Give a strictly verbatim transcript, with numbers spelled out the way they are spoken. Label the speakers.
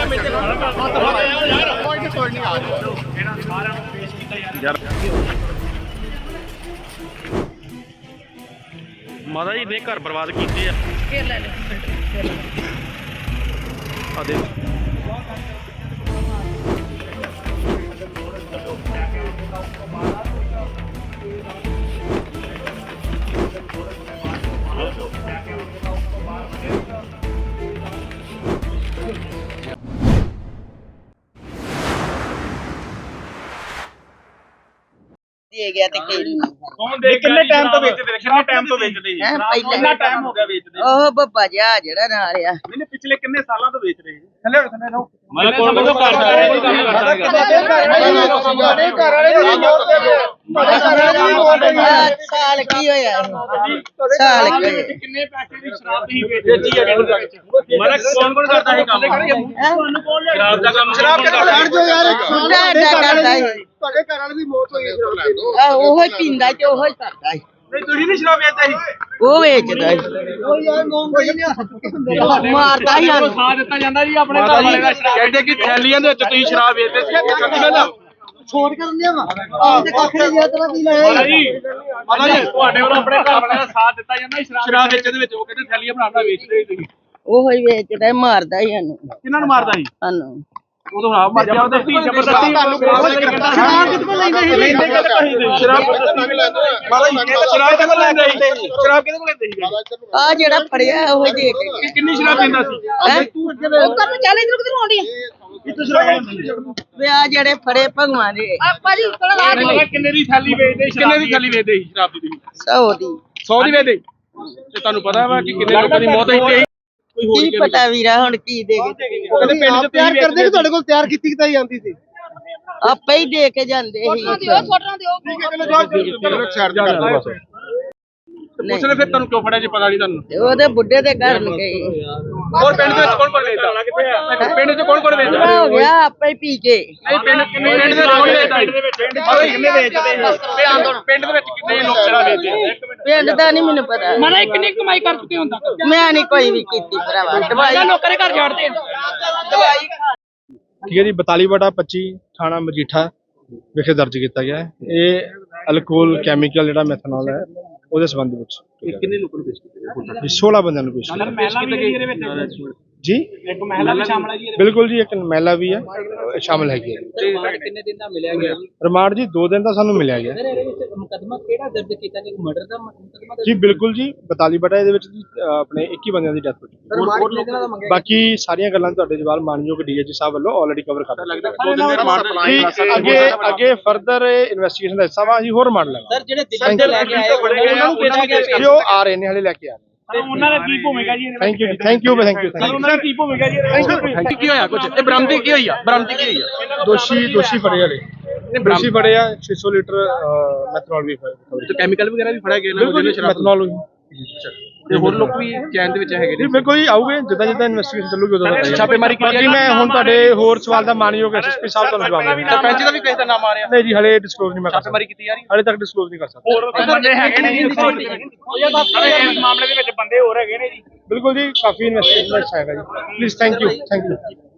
Speaker 1: ਮਾਤਾ ਜੀ ਨੇ ਘਰ ਬਰਬਾਦ ਕੀਤੇ ਆ। ਆ ਦੇ
Speaker 2: ਦੇ ਗਿਆ ਤੇ ਕਿਹੜੀ
Speaker 3: ਕੌਣ ਦੇ ਕਿੰਨੇ ਟਾਈਮ ਤੋਂ ਵੇਚਦੇ ਨੇ ਕਿੰਨੇ ਟਾਈਮ ਤੋਂ ਵੇਚਦੇ ਜੀ ਕਿੰਨਾ ਟਾਈਮ ਹੋ ਗਿਆ ਵੇਚਦੇ
Speaker 2: ਉਹ ਬੱਬਾ ਜਿਹਾ ਜਿਹੜਾ ਨਾਲ ਆ
Speaker 3: ਇਹਨੇ ਪਿਛਲੇ ਕਿੰਨੇ ਸਾਲਾਂ ਤੋਂ ਵੇਚ ਰਹੇ ਜੀ ਥੱਲੇ ਥੱਲੇ ਰਹੋ
Speaker 1: ਮੈਂ ਕੋਲ ਕੋਲ ਕਰਦਾ ਹੈ ਨਹੀਂ ਕੰਮ ਕਰਦਾ
Speaker 3: ਤੁਹਾਡੇ ਘਰ ਵਾਲੇ ਦੀ ਮੌਤ ਦੇ ਦਿਓ ਤੁਹਾਡੇ ਘਰ ਵਾਲੇ ਦੀ ਮੌਤ ਹੋਈ ਹੈ
Speaker 2: ਸਾਲ ਕੀ ਹੋਇਆ ਸਾਲ ਕੀ ਹੋਇਆ
Speaker 3: ਕਿੰਨੇ ਪੈਸੇ ਦੀ ਸ਼ਰਾਬ ਤੁਸੀਂ ਵੇਚੀ ਹੈ ਮਤਲਬ ਕੌਣ ਕੌਣ ਕਰਦਾ ਹੈ ਕੰਮ ਤੁਹਾਨੂੰ ਕੌਣ ਸ਼ਰਾਬ ਦਾ ਕੰਮ ਸ਼ਰਾਬ ਕਿਹੜਾ ਲੈਣ ਜੋ ਯਾਰ
Speaker 2: ਮੁੰਡਾ ਐਡਾ ਕਰਦਾ ਹੈ
Speaker 3: ਤੁਹਾਡੇ ਘਰ ਵਾਲੇ ਦੀ ਮੌਤ ਹੋਈ ਹੈ
Speaker 2: ਆ ਉਹੋ ਹੀ ਪੀਂਦਾ ਤੇ ਉਹੋ ਹੀ ਕਰਦਾ ਹੈ
Speaker 3: ਨਹੀਂ ਤੁਸੀਂ ਨਹੀਂ ਸ਼ਰਾਬ ਵੇਚਦਾ ਸੀ
Speaker 2: ਉਹ ਵੇਚਦਾ ਹੈ ਉਹ ਯਾਰ ਮੋਂਗੋ ਹੀ ਮਾਰਦਾ ਹੀ ਸਾਨੂੰ
Speaker 3: ਸਾਥ ਦਿੱਤਾ ਜਾਂਦਾ ਜੀ ਆਪਣੇ ਘਰ ਵਾਲੇ ਦਾ ਸ਼ਰਾਬ ਕਹਿੰਦੇ ਕਿ ਥੈਲੀਆਂ ਦੇ ਵਿੱਚ ਤੁਸੀਂ ਸ਼ਰਾਬ ਵੇਚਦੇ ਸੀ ਕਿੱਥੇ ਪਹਿਲਾਂ
Speaker 2: ਛੋੜ ਕਰਨ ਦਿਆ ਵਾ ਆ ਤੇ ਕੱਖ ਨਹੀਂ ਜਿਆ ਤਰਾ ਪੀ ਲਿਆ
Speaker 3: ਜੀ ਪਤਾ ਜੀ ਤੁਹਾਡੇ ਵੱਲੋਂ ਆਪਣੇ ਘਰ ਵਾਲੇ ਦਾ ਸਾਥ ਦਿੱਤਾ ਜਾਂਦਾ ਸ਼ਰਾਬ ਸ਼ਰਾਬ ਵੇਚਣ ਦੇ ਵਿੱਚ ਉਹ ਕਹਿੰਦੇ ਥੈਲੀਆਂ ਬਣਾਉਣਾ ਵੇਚਦੇ ਸੀ ਤੁਸੀਂ
Speaker 2: ਉਹੋ ਹੀ ਵੇਚਦਾ ਹੈ ਮਾਰਦਾ ਹੀ ਸਾਨੂੰ
Speaker 3: ਕਿਹਨਾਂ ਨੂੰ ਮਾਰਦਾ ਸੀ
Speaker 2: ਸਾਨੂੰ
Speaker 3: ਉਦੋਂ ਹਾਂ ਮਰ ਜਾ ਉਹਦੇ ਧੀ ਜ਼ਬਰਦਸਤੀ ਸ਼ਰਾਬ ਕਿੱਥੋਂ ਲੈਂਦੇ ਸੀ ਲੈਂਦੇ ਕਿੱਥੋਂ ਸ਼ਰਾਬ ਕਿੱਥੋਂ ਲੈਂਦੇ ਸ਼ਰਾਬ ਕਿੱਥੋਂ ਲੈਂਦੇ ਸੀ ਸ਼ਰਾਬ ਕਿੱਥੋਂ ਲੈਂਦੇ ਸੀ
Speaker 2: ਆ ਜਿਹੜਾ ਫੜਿਆ ਉਹ ਹੀ ਦੇ ਕੇ
Speaker 3: ਕਿੰਨੀ ਸ਼ਰਾਬ ਪੀਂਦਾ ਸੀ
Speaker 2: ਉਹ ਕਰਨ ਚਾਲੇ ਇਧਰ ਕਿਧਰ ਆਉਂਦੀ ਆ
Speaker 3: ਕਿੱਥੋਂ ਸ਼ਰਾਬ
Speaker 2: ਵੇ ਆ ਜਿਹੜੇ ਫੜੇ ਭਗਵਾਨ ਦੇ
Speaker 4: ਆਪਾਂ ਜੀ ਕੋਲ
Speaker 3: ਕਿੰਨੇ ਦੀ ਥੈਲੀ ਵੇਚਦੇ ਕਿੰਨੇ ਦੀ ਥੈਲੀ ਵੇਚਦੇ ਸੀ ਸ਼ਰਾਬ ਦੀ
Speaker 2: ਸੌ ਦੀ
Speaker 3: ਸੌ ਦੀ ਵੇਚਦੇ ਤੇ ਤੁਹਾਨੂੰ ਪਤਾ ਵਾ ਕਿ ਕਿੰਨੇ ਲੋਕਾਂ ਦੀ ਮੌਤ ਹੋਈ ਕੋਈ ਹੋਰ
Speaker 2: ਕੀ ਪਤਾ ਵੀਰਾ ਹੁਣ ਕੀ ਦੇ
Speaker 3: ਉਹ ਕਹਿੰਦੇ ਪਿੰਡ ਚ ਤਿਆਰ ਕਰਦੇ ਕਿ ਤੁਹਾਡੇ ਕੋਲ ਤਿਆਰ ਕੀਤੀ ਕਿਤਾਈ ਜਾਂਦੀ ਸੀ
Speaker 2: ਆਪੇ ਹੀ ਦੇ ਕੇ ਜਾਂਦੇ ਸੀ
Speaker 4: ਦਿਓ ਛੋਟਣਾ ਦਿਓ
Speaker 3: ਚਲੋ ਸਾਈਡ ਤੇ ਕਰ ਦਿਓ ਪੁੱਛਣੇ ਫਿਰ ਤੁਹਾਨੂੰ ਕਿਉਂ ਫੜਿਆ ਜੀ ਪਤਾ ਨਹੀਂ ਤੁਹਾਨੂੰ
Speaker 2: ਤੇ ਉਹਦੇ ਬੁੱਢੇ ਦੇ ਘਰ ਨੂੰ ਗਏ
Speaker 3: ਹੋਰ ਪਿੰਡ ਦੇ ਵਿੱਚ ਕੌਣ ਕੌਣ ਵੇਚਦਾ ਪਿੰਡ ਚ ਕੌਣ ਕੌਣ ਵੇਚਦਾ
Speaker 2: ਹੋ ਗਿਆ ਆਪੇ ਹੀ ਪੀ ਕੇ
Speaker 3: ਨਹੀਂ ਪਿੰਡ ਕਿੰਨੇ ਪਿੰਡ ਦੇ ਕੌਣ ਵੇਚਦਾ ਕਿੰਨੇ ਵੇਚਦੇ ਪਿੰਡ ਦੇ ਵਿੱਚ ਕਿੰਨੇ ਲੋਕ ਸ਼ਰਾਬ ਵੇਚਦੇ
Speaker 2: ਪਿੰਡ ਦਾ ਨਹੀਂ ਮੈਨੂੰ ਪਤਾ
Speaker 4: ਮਨਾ ਕਿੰਨੀ ਕਮਾਈ ਕਰ ਚੁੱਕੇ ਹੁੰਦਾ
Speaker 2: ਮੈਂ ਨਹੀਂ ਕੋਈ ਵੀ ਕੀਤੀ ਭਰਾਵਾ ਦਵਾਈ
Speaker 4: ਲੋਕਾਂ ਦੇ ਘਰ ਜਾੜਦੇ
Speaker 2: ਦਵਾਈ
Speaker 5: ਠੀਕ ਹੈ ਜੀ ਬਤਾਲੀ ਬਟਾ ਪੱਚੀ ਥਾਣਾ ਮਜੀਠਾ ਵਿਖੇ ਦਰਜ ਕੀਤਾ ਗਿਆ ਹੈ। ਇਹ ਅਲਕੋਹਲ ਕੈਮੀਕਲ ਜਿਹੜਾ ਮੈਥਨੋਲ ਹੈ ਉਹਦੇ ਸੰਬੰਧ ਵਿੱਚ
Speaker 3: ਕਿੰਨੇ ਲੋਕਾਂ ਨੂੰ ਪੇਸ਼ ਕੀਤਾ
Speaker 5: ਸੋਲਾਂ ਬੰਦਿਆਂ ਨੂੰ ਪੇਸ਼ ਕੀਤਾ
Speaker 3: ਮਹਿਲਾ ਵੀ ਇਹਦੇ ਵਿੱਚ
Speaker 5: ਜੀ
Speaker 3: ਇੱਕ ਮਹਿਲਾ ਵੀ ਸ਼ਾਮਲ ਹੈ ਜੀ
Speaker 5: ਬਿਲਕੁਲ ਜੀ ਇੱਕ ਮਹਿਲਾ ਵੀ ਹੈ ਅਹ ਸ਼ਾਮਲ ਹੈਗੀ ਹੈ
Speaker 3: ਕਿੰਨੇ ਦਿਨ ਦਾ ਮਿਲਿਆ ਗਿਆ
Speaker 5: ਰਿਮਾਂਡ ਜੀ ਦੋ ਦਿਨ ਦਾ ਸਾਨੂੰ ਮਿਲਿਆ ਗਿਆ
Speaker 4: ਇਹਦੇ ਵਿੱਚ ਮੁਕਦਮਾ ਕਿਹੜਾ ਦਰਜ ਕੀਤਾ ਕਿ ਮਰਡਰ ਦਾ ਮੁਕਦਮਾ
Speaker 5: ਜੀ ਬਿਲਕੁਲ ਜੀ ਬਤਾਲੀ ਬਟਾ ਇਹਦੇ ਵਿੱਚ ਜੀ ਅਹ ਆਪਣੇ ਇੱਕੀ ਬੰਦਿਆਂ ਦੀ ਡੈਥ ਹੋ ਚੁੱਕੀ
Speaker 4: ਰਿਮਾਂਡ ਕਿਹਨਾਂ ਦਾ ਮੰਗਿਆ
Speaker 5: ਹੈ। ਬਾਕੀ ਸਾਰੀਆਂ ਗੱਲਾਂ ਤੁਹਾਡੇ ਜਵਾਬ ਮਾਨਯੋਗ ਡੀਏਜੀ ਸਾਹਿਬ ਵੱਲੋਂ ਆਲਰੇਡੀ ਕਵਰ ਕਰ
Speaker 3: ਲੱਗਦਾ ਦੋ ਦਿਨ ਦੇ ਰਿਮਾਂਡ
Speaker 5: ਜੀ ਅੱਗੇ ਅੱਗੇ ਫਰਦਰ ਇਨਵੈਸਟੀਗੇਸ਼ਨ ਦਾ ਹਿੱਸਾ ਵਾ ਅਸੀਂ ਹੋਰ ਰਿਮਾਂਡ ਲਾਂਗੇ
Speaker 4: ਸਰ ਜਿਹੜੇ ਦਿੱਲੀ ਤੋਂ ਲੈ ਕੇ ਆਏ ਉਹਨਾਂ ਨੂੰ ਪੇਸ਼ ਕੀਤਾ
Speaker 5: ਜੀ ਉਹ ਆ ਰਹੇ ਨੇ ਹਲੇ ਲੈ ਕੇ ਆ ਰਹੇ
Speaker 3: ਤੇ ਉਹਨਾਂ ਦਾ ਕੀ ਭੂਮਿਕਾ ਜੀ
Speaker 5: ਥੈਂਕ ਯੂ ਜੀ ਥੈਂਕ ਯੂ ਥੈਂਕ ਯੂ
Speaker 3: ਉਹਨਾਂ ਦੀ ਕੀ ਭੂਮਿਕਾ ਜੀ ਕੀ ਹੋਇਆ ਕੁਝ ਇਹ ਬਰਾਮਦੀ ਕੀ ਹੋਈ ਆ ਬਰਾਮਦੀ ਕੀ ਹੋਈ ਆ
Speaker 5: ਦੋਸ਼ੀ ਦੋਸ਼ੀ ਫੜੇ ਵਾਲੇ ਦੋਸ਼ੀ ਫੜੇ ਆ ਛੇ ਸੌ ਲੀਟਰ ਮੈਥਨੋਲ ਵੀ ਫੜੇ
Speaker 3: ਤੇ ਕੈਮੀਕਲ ਵਗੈਰਾ ਵੀ ਫੜਿਆ ਗਿਆ
Speaker 5: ਬਿਲਕੁਲ ਜੀ ਮੈਥਨੋਲ ਵੀ
Speaker 3: ਤੇ ਹੋਰ ਲੋਕ ਵੀ ਚੈਨ ਦੇ ਵਿੱਚ ਹੈਗੇ
Speaker 5: ਜੀ ਬਿਲਕੁਲ ਜੀ ਆਉਗੇ ਜਿੱਦਾਂ ਜਿੱਦਾਂ ਇਨਵੈਸਟੀਗੇਸ਼ਨ ਚੱਲੂਗੀ ਉਦੋਂ ਦਾ
Speaker 3: ਛਾਪੇਮਾਰੀ ਕੀਤੀ
Speaker 5: ਬਾਕੀ ਮੈਂ ਹੁਣ ਤੁਹਾਡੇ ਹੋਰ ਸਵਾਲ ਦਾ ਮਾਨਯੋਗ ਐਸਐਸਪੀ ਸਾਹਿਬ ਤੁਹਾਨੂੰ ਜਵਾਬ ਦੇਵਾਂਗਾ
Speaker 3: ਸਰਪੰਚ ਦਾ ਵੀ ਕਿਸੇ ਦਾ ਨਾਮ ਆ ਰਿਹਾ
Speaker 5: ਨਹੀਂ ਜੀ ਹਲੇ ਡਿਸਕਲੋਜ਼ ਨਹੀਂ ਮੈਂ ਕਰ ਸਕਦਾ
Speaker 3: ਛਾਪੇਮਾਰੀ ਕੀਤੀ ਜਾ ਰਹੀ
Speaker 5: ਹਲੇ ਤੱਕ ਡਿਸਕਲੋਜ਼ ਨਹੀਂ ਕਰ ਸਕਦਾ
Speaker 3: ਹੋਰ ਬੰਦੇ ਹੈਗੇ ਨੇ ਜੀ ਇਸ ਮਾਮਲੇ ਦੇ ਵਿੱਚ ਬੰਦੇ ਹੋਰ ਹੈਗੇ ਨੇ ਜੀ
Speaker 5: ਬਿਲਕੁਲ ਜੀ ਕਾਫੀ ਇਨਵੈਸਟੀਗੇਸ਼ਨ ਦਾ ਹਿੱਸਾ ਹੈਗਾ ਜੀ please thank you thank you